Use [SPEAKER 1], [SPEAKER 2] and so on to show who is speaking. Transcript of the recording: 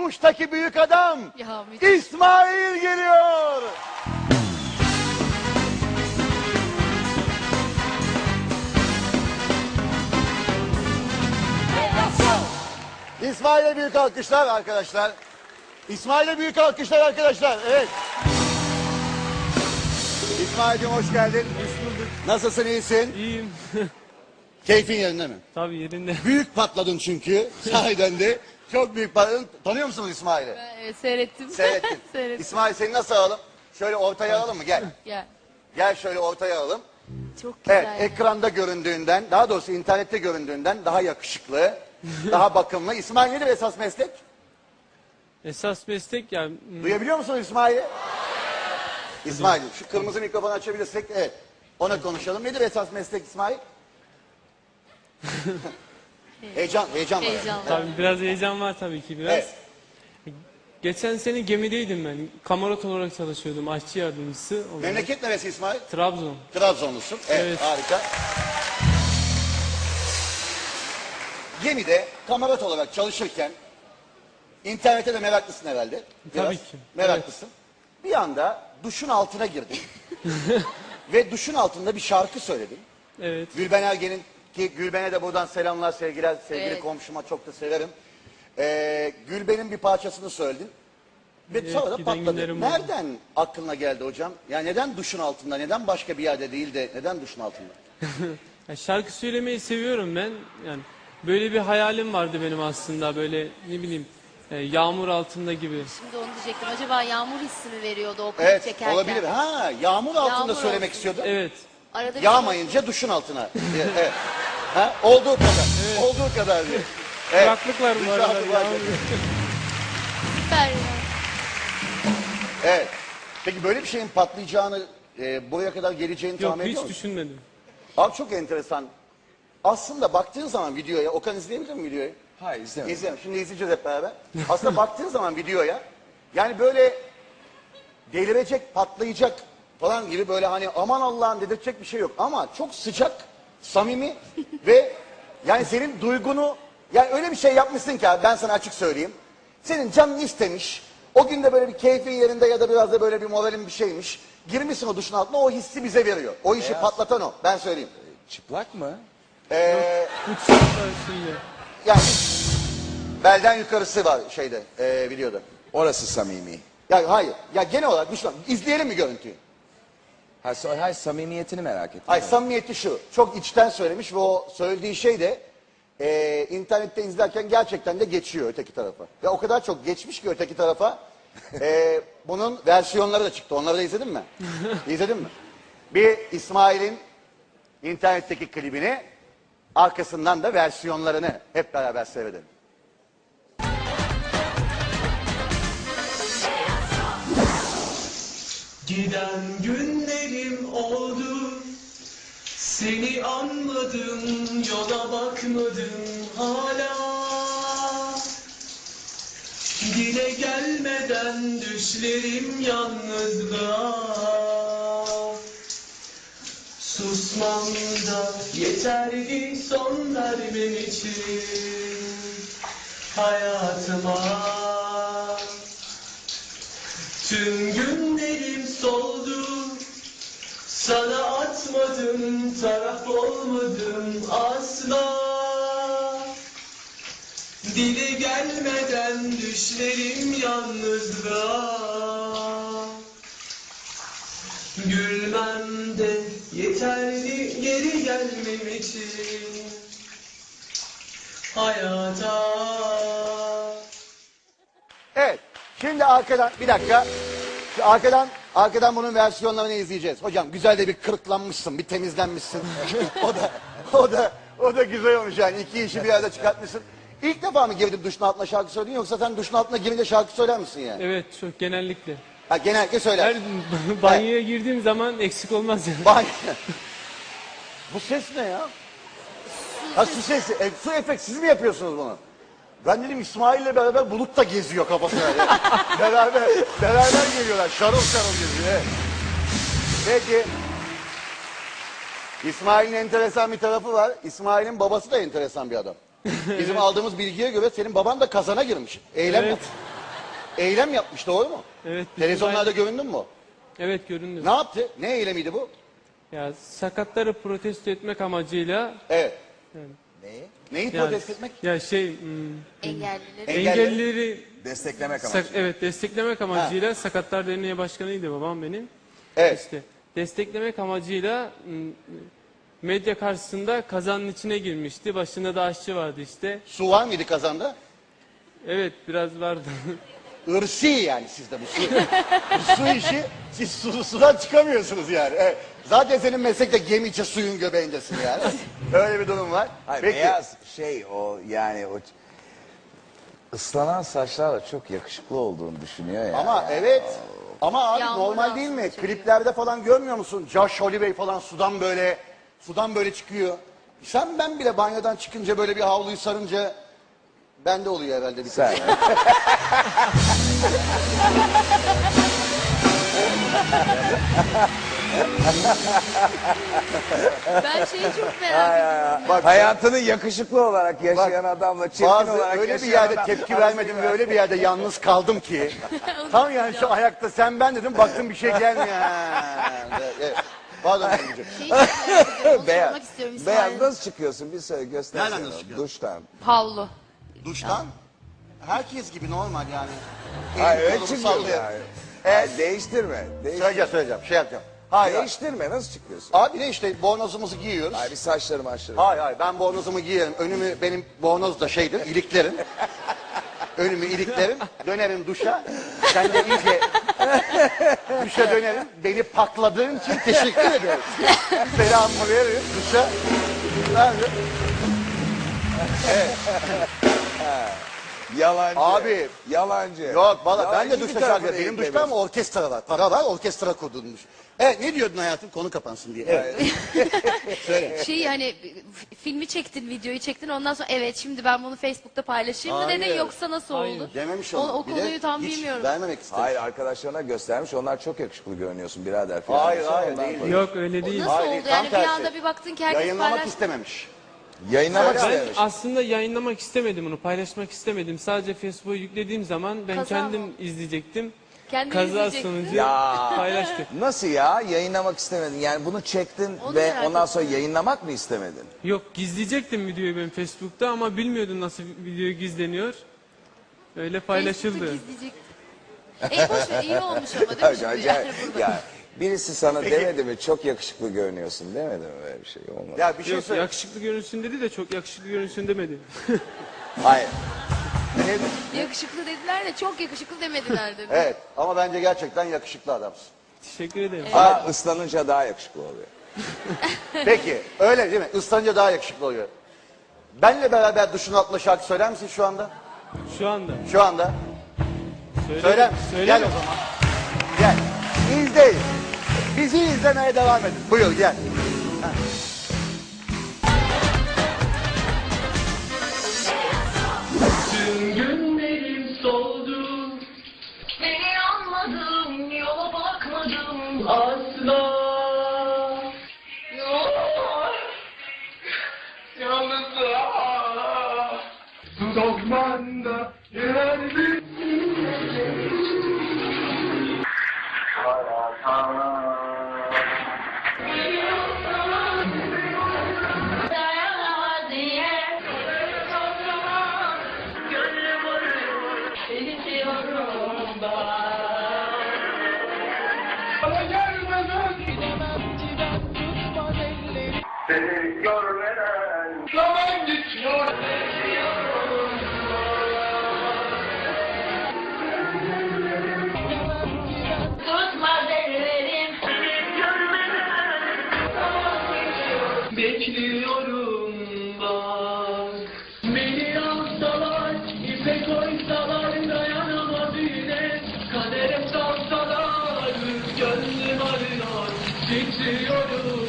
[SPEAKER 1] Kuştaki büyük adam
[SPEAKER 2] Ya, müthiş.
[SPEAKER 1] İsmail geliyor. İsmail'e büyük alkışlar arkadaşlar. İsmail'e büyük alkışlar arkadaşlar. Evet. İsmail'cim hoş geldin.
[SPEAKER 3] Hoş bulduk.
[SPEAKER 1] Nasılsın, iyisin?
[SPEAKER 3] İyiyim.
[SPEAKER 1] Keyfin yerinde mi?
[SPEAKER 3] Tabii yerinde.
[SPEAKER 1] Büyük patladın çünkü. Sahiden de. Çok büyük patladın. Tanıyor musunuz İsmail'i?
[SPEAKER 2] Seyrettim.
[SPEAKER 1] Seyrettin.
[SPEAKER 2] Seyrettim.
[SPEAKER 1] İsmail seni nasıl alalım? Şöyle ortaya alalım mı? Gel.
[SPEAKER 2] Ya,
[SPEAKER 1] Gel şöyle ortaya alalım.
[SPEAKER 2] çok güzel.
[SPEAKER 1] Evet, ekranda göründüğünden, daha doğrusu internette göründüğünden daha yakışıklı, daha bakımlı. İsmail nedir esas meslek?
[SPEAKER 3] Esas meslek yani
[SPEAKER 1] Duyabiliyor musun İsmail'i? İsmail, şu kırmızı mikrofonu açabilirsek, evet. Ona konuşalım. Nedir esas meslek İsmail? heyecan var.
[SPEAKER 2] Heyecan var.
[SPEAKER 3] tabii biraz heyecan var tabii ki biraz.
[SPEAKER 1] Evet.
[SPEAKER 3] Geçen sene gemideydim ben. Kamerot olarak çalışıyordum. Aşçı yardımcısı olarak.
[SPEAKER 1] Memleket neresi İsmail?
[SPEAKER 3] Trabzon.
[SPEAKER 1] Trabzonlusun. Evet,
[SPEAKER 3] Evet.
[SPEAKER 1] harika. Gemide kamerat olarak çalışırken internete de meraklısın herhalde. Biraz
[SPEAKER 3] Tabii ki.
[SPEAKER 1] Meraklısın. Bir anda duşun altına girdin. Ve duşun altında bir şarkı söyledin.
[SPEAKER 3] Evet.
[SPEAKER 1] Gülben Ergen'in, ki Gülben'e de buradan selamlar, sevgiler, sevgili
[SPEAKER 2] Evet.
[SPEAKER 1] komşuma çok da severim. Gülben'in bir parçasını söyledin. Ve
[SPEAKER 3] Evet,
[SPEAKER 1] sonra da
[SPEAKER 3] giden
[SPEAKER 1] patladı.
[SPEAKER 3] günlerim oldu.
[SPEAKER 1] Nereden aklına geldi hocam? Yani neden duşun altında, neden başka bir yerde değil de neden duşun altında?
[SPEAKER 3] Ya şarkı söylemeyi seviyorum ben. Yani böyle bir hayalim vardı benim aslında. Böyle ne bileyim yağmur altında gibi.
[SPEAKER 2] Şimdi onu diyecektim. Acaba yağmur hissi mi veriyordu o klip
[SPEAKER 1] Evet,
[SPEAKER 2] çekerken?
[SPEAKER 1] olabilir. Ha, yağmur altında
[SPEAKER 2] Yağmur
[SPEAKER 1] söylemek
[SPEAKER 2] altında.
[SPEAKER 1] istiyordun.
[SPEAKER 3] Evet.
[SPEAKER 2] Arada bir
[SPEAKER 1] Yağmayınca duşun altına. diye, evet. Ha, olduğu kadar. Olduğu kadar diye. Evet.
[SPEAKER 3] Kulaklıklar bu arada.
[SPEAKER 1] Kulaklık var.
[SPEAKER 3] yağmur.
[SPEAKER 2] süper ya.
[SPEAKER 1] Evet. Peki böyle bir şeyin patlayacağını, buraya kadar geleceğini
[SPEAKER 3] Yok
[SPEAKER 1] tahmin ediyor
[SPEAKER 3] hiç
[SPEAKER 1] musun?
[SPEAKER 3] düşünmedim.
[SPEAKER 1] Abi çok enteresan. Aslında baktığın zaman videoya, Okan izleyebilir mi videoyu?
[SPEAKER 4] Hayır izlemedim.
[SPEAKER 1] İzleyelim. Şimdi izleyeceğiz hep beraber. Aslında baktığın zaman videoya, yani böyle delirecek, patlayacak falan gibi böyle hani aman Allah'ım dedirtecek bir şey yok. Ama çok sıcak, samimi ve yani senin duygunu, yani öyle bir şey yapmışsın ki abi, ben sana açık söyleyeyim. Senin canın istemiş, o gün de böyle bir keyfin yerinde ya da biraz da böyle bir moralin bir şeymiş. Girmişsin o duşun altına, o hissi bize veriyor. O işi patlatan o, ben söyleyeyim.
[SPEAKER 4] Çıplak mı?
[SPEAKER 3] Bu şarkılar şimdi.
[SPEAKER 1] Yani belden yukarısı var şeyde, videoda.
[SPEAKER 4] Orası samimi.
[SPEAKER 1] Ya hayır, ya genel olarak duşun izleyelim mi görüntüyü?
[SPEAKER 4] Hayır samimiyetini merak ettim.
[SPEAKER 1] Ay samimiyeti şu, çok içten söylemiş ve o söylediği şey de internette izlerken gerçekten de geçiyor öteki tarafa. Ve o kadar çok geçmiş ki öteki tarafa, bunun versiyonları da çıktı. Onları da izledin mi? İzledin mi? Bir İsmail'in internetteki klibini, arkasından da versiyonlarını hep beraber seyredelim.
[SPEAKER 5] Giden günlerim oldu, seni anmadım, yola bakmadım hala. Dile gelmeden düşlerim yalnızlığa. Susmam da yeterli son vermem için hayatıma. Tüm günlerim soldu, sana atmadım, taraf olmadım asla. Dili gelmeden düşlerim yalnızlığa. Gülmem de yeterli geri gelmem için hayata.
[SPEAKER 1] Evet. Şimdi arkadan bir dakika. Şu arkadan bunun versiyonlarını izleyeceğiz. Hocam güzel de bir kırıklanmışsın, bir temizlenmişsin. o da güzel olmuş yani. İki işi bir arada çıkartmışsın. İlk defa mı girdin duşun altına şarkı söyledin, yoksa sen duşun altına girince şarkı söyler misin yani?
[SPEAKER 3] Evet çok genellikle.
[SPEAKER 1] Ha, genellikle söyler.
[SPEAKER 3] Her banyoya girdiğim zaman eksik olmaz yani.
[SPEAKER 1] Vay. Bu ses ne ya? Ha, su sesi. Su efekt, siz mi yapıyorsunuz bunu? Ben dedim İsmail'le beraber Bulut da geziyor kafasına. Yani. beraber geliyorlar. Şarıl şarıl geziyor. Evet. Peki. İsmail'in enteresan bir tarafı var. İsmail'in babası da enteresan bir adam. Bizim aldığımız bilgiye göre senin baban da kazana girmiş. Eylem
[SPEAKER 3] Evet.
[SPEAKER 1] yap. eylem yapmış, doğru mu?
[SPEAKER 3] Evet. bir
[SPEAKER 1] Televizyonlarda
[SPEAKER 3] olay-
[SPEAKER 1] göründün mü?
[SPEAKER 3] Evet göründü.
[SPEAKER 1] Ne yaptı? Ne eylemiydi bu?
[SPEAKER 3] Ya sakatları protesto etmek amacıyla
[SPEAKER 1] Evet.
[SPEAKER 4] Neyi?
[SPEAKER 1] Neyi
[SPEAKER 3] yani,
[SPEAKER 1] protesto etmek?
[SPEAKER 3] ya
[SPEAKER 2] Engellileri.
[SPEAKER 1] Engelleri-
[SPEAKER 4] Desteklemek amacıyla.
[SPEAKER 3] evet desteklemek amacıyla Sakatlar Derneği Başkanıydı babam benim.
[SPEAKER 1] Evet.
[SPEAKER 3] İşte desteklemek amacıyla medya karşısında kazanın içine girmişti. Başında da aşçı vardı işte.
[SPEAKER 1] Su var mıydı kazanda?
[SPEAKER 3] Evet biraz vardı.
[SPEAKER 1] Irsi yani sizde bu su. Bu su işi, siz sudan çıkamıyorsunuz yani. Evet. Zaten senin meslekte gemici suyun göbeğindesin yani. Öyle bir durum var.
[SPEAKER 4] Hayır,
[SPEAKER 1] Peki.
[SPEAKER 4] beyaz şey o yani o ıslanan saçlarla çok yakışıklı olduğunu düşünüyor ya.
[SPEAKER 1] Ama evet. Ama abi
[SPEAKER 2] Yağmur
[SPEAKER 1] normal değil mi?
[SPEAKER 2] aslında çok
[SPEAKER 1] Kliplerde falan görmüyor musun? Josh Holloway falan sudan böyle çıkıyor. Ben bile banyodan çıkınca böyle bir havluyu sarınca bende oluyor herhalde bir
[SPEAKER 4] Sen.
[SPEAKER 2] Ben şeyi çok merak ediyorum.
[SPEAKER 1] Bak,
[SPEAKER 4] Hayatını yakışıklı olarak yaşayan adamla çirkin
[SPEAKER 1] bazı
[SPEAKER 4] olarak
[SPEAKER 1] öyle bir
[SPEAKER 4] yaşayan
[SPEAKER 1] yerde
[SPEAKER 4] adam
[SPEAKER 1] tepki
[SPEAKER 4] arasında
[SPEAKER 1] vermedim ve öyle bir yerde yalnız kaldım ki. Tam yani şu ayakta sen ben dedim, baktım bir şey gelmiyor. Ha, evet. Pardon. Emre'ciğim.
[SPEAKER 2] Şeyi çok merak ediyorum. Onu
[SPEAKER 4] Beyaz.
[SPEAKER 2] sormak istiyorum
[SPEAKER 4] Beyaz
[SPEAKER 2] İsmail.
[SPEAKER 4] nasıl çıkıyorsun? Bir söyle göster.
[SPEAKER 1] Nereden nasıl çıkıyorsun?
[SPEAKER 4] Duştan.
[SPEAKER 2] Havlu.
[SPEAKER 1] Duştan herkes gibi normal yani.
[SPEAKER 4] Hayır
[SPEAKER 1] Elimi
[SPEAKER 4] öyle
[SPEAKER 1] kolumu
[SPEAKER 4] çıkıyor
[SPEAKER 1] sallıyor.
[SPEAKER 4] yani. Hayır, değiştirme.
[SPEAKER 1] Söyleyeceğim, şey yapacağım. Hayır.
[SPEAKER 4] Değiştirme nasıl çıkıyorsun?
[SPEAKER 1] Abi ne işte bornozumuzu giyiyoruz.
[SPEAKER 4] Hayır bir saçları maçları.
[SPEAKER 1] Hayır ben bornozumu giyerim. Önümü benim bornoz da şeydir, iliklerim. Önümü iliklerim. Dönerim duşa. Sen de iyice duşa dönerim. Beni pakladığın için teşekkür ederim. Selamımı veririm duşa.
[SPEAKER 4] Yalancı.
[SPEAKER 1] Abi.
[SPEAKER 4] Yalancı.
[SPEAKER 1] Yok valla ben de
[SPEAKER 4] Yalancı
[SPEAKER 1] duşta
[SPEAKER 4] bir tarafı
[SPEAKER 1] şarkı. Benim
[SPEAKER 4] değil
[SPEAKER 1] duşta ama orkestra var. Para var, orkestra kurdurmuş. Evet ne diyordun hayatım? Konu kapansın diye. Evet. Söyle.
[SPEAKER 2] Şey hani filmi çektin, videoyu çektin. Ondan sonra evet şimdi ben bunu Facebook'ta paylaşayım mı
[SPEAKER 1] Hayır.
[SPEAKER 2] dedin yoksa nasıl
[SPEAKER 3] Hayır.
[SPEAKER 2] oldu?
[SPEAKER 1] Dememiş
[SPEAKER 2] O,
[SPEAKER 1] onu.
[SPEAKER 2] o
[SPEAKER 1] Bir de
[SPEAKER 2] konuyu tam
[SPEAKER 1] hiç
[SPEAKER 2] bilmiyorum.
[SPEAKER 1] vermemek istedim.
[SPEAKER 4] Hayır arkadaşlarına göstermiş. Onlar çok yakışıklı görünüyorsun birader falan.
[SPEAKER 1] Hayır,
[SPEAKER 4] Ondan
[SPEAKER 1] değil.
[SPEAKER 4] koymuş.
[SPEAKER 3] Yok öyle değil.
[SPEAKER 2] Nasıl
[SPEAKER 1] Hayır,
[SPEAKER 2] oldu?
[SPEAKER 1] tam
[SPEAKER 2] Yani bir
[SPEAKER 1] tersi.
[SPEAKER 2] anda bir baktın ki herkes
[SPEAKER 1] Yayınlamak
[SPEAKER 2] paylaş.
[SPEAKER 1] istememiş.
[SPEAKER 4] Yayınlamak
[SPEAKER 3] Ben
[SPEAKER 4] istemiş.
[SPEAKER 3] aslında yayınlamak istemedim onu, paylaşmak istemedim. Sadece Facebook'a yüklediğim zaman ben
[SPEAKER 2] Kaza
[SPEAKER 3] kendim
[SPEAKER 2] mı?
[SPEAKER 3] izleyecektim.
[SPEAKER 2] Kendini
[SPEAKER 3] Kaza
[SPEAKER 2] izleyecektin.
[SPEAKER 3] sonucu
[SPEAKER 4] Ya.
[SPEAKER 3] paylaştım.
[SPEAKER 4] Nasıl ya? Yayınlamak istemedin. Yani bunu çektin
[SPEAKER 2] Onu
[SPEAKER 4] ve
[SPEAKER 2] merak
[SPEAKER 4] ondan
[SPEAKER 2] ettim.
[SPEAKER 4] sonra yayınlamak mı istemedin?
[SPEAKER 3] Yok gizleyecektim videoyu ben Facebook'ta ama bilmiyordum nasıl video gizleniyor. Öyle paylaşıldı.
[SPEAKER 2] Facebook'ta gizleyecektin. Boş ver, iyi olmuş ama değil mi şimdi?
[SPEAKER 4] Acayip.
[SPEAKER 2] Yani burada.
[SPEAKER 4] Ya birisi sana
[SPEAKER 1] Peki.
[SPEAKER 4] demedi mi çok yakışıklı görünüyorsun demedi mi böyle bir şey olmadı.
[SPEAKER 1] Ya bir şey
[SPEAKER 3] Yok
[SPEAKER 1] söyle.
[SPEAKER 3] yakışıklı görünsün dedi de çok yakışıklı görünsün demedi.
[SPEAKER 4] Hayır.
[SPEAKER 2] Yakışıklı dediler de çok yakışıklı demediler dedi.
[SPEAKER 1] Evet ama bence gerçekten yakışıklı adamsın.
[SPEAKER 3] Teşekkür ederim.
[SPEAKER 4] Ama ıslanınca daha yakışıklı oluyor.
[SPEAKER 1] Peki öyle değil mi? Islanınca daha yakışıklı oluyor. Benle beraber duşun altında şarkı söyler misin şu anda?
[SPEAKER 3] Şu anda.
[SPEAKER 1] Şu anda.
[SPEAKER 3] Söyle.
[SPEAKER 1] Söyler misin?
[SPEAKER 3] Söyle.
[SPEAKER 1] Gel o zaman. Gel. İzleyin. Bizi izlemeye devam edin. Buyur gel.
[SPEAKER 5] Tüm günlerim soldu.
[SPEAKER 6] Seni anmadım, yola bakmadım.
[SPEAKER 5] Asla. Yalnızlığa. Sokmanda yereldim.
[SPEAKER 6] Dayanamaz diye. Gönlüm arıyor, seni seviyorum ben.
[SPEAKER 5] Bana gelmeden seni görmeden zaman geçiyor.
[SPEAKER 6] Tutmaz ellerim. Seni görmeden zaman geçiyor.
[SPEAKER 5] Bekliyorum bak. Beni alsalar, ipe koysalar dayanamaz yine. Kadere salsalar, gönlüm arıyor, titriyorum.